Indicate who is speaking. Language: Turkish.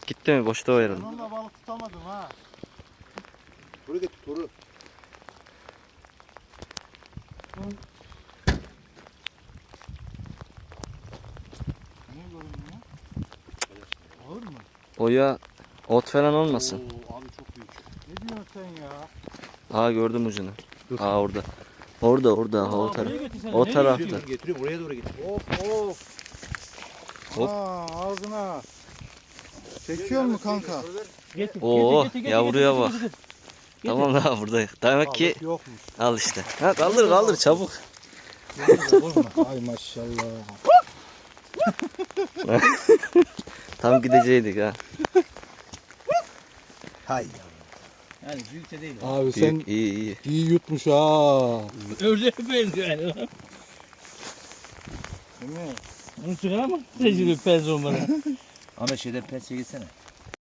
Speaker 1: gitti mi? Boşta o herhalde.
Speaker 2: Onunla balık tutamadım ha.
Speaker 3: Toru getir toru.
Speaker 2: Niye görünmüyor? Ağır mı?
Speaker 1: O ya ot falan olmasın.
Speaker 3: Oo, abi çok büyük.
Speaker 2: Ne diyorsun sen ya?
Speaker 1: Aa gördüm ucunu. Aa orada. Orada o taraf. O tarafta.
Speaker 3: Getiriyorum oraya doğru getiriyorum.
Speaker 2: Of.
Speaker 1: Hop.
Speaker 2: Ağzına. Çekiyor mu kanka?
Speaker 1: Oo yavruya bak. Tamam daha buradayız. Demek ki
Speaker 2: Balık yokmuş.
Speaker 1: al işte. Ha, kaldır çabuk.
Speaker 2: Ay maşallah.
Speaker 1: Tam gideceydik ha.
Speaker 3: Hay.
Speaker 4: Yani büyükçe değil.
Speaker 2: Abi sen
Speaker 1: Büyük, iyi.
Speaker 2: iyi yutmuş ha.
Speaker 4: Ördeğe benziyor yani.
Speaker 2: Değil mi?
Speaker 4: Onu çıkaramam. Tecrübe pez olmadan.
Speaker 3: Ahmet şeyden pençeye gitsene.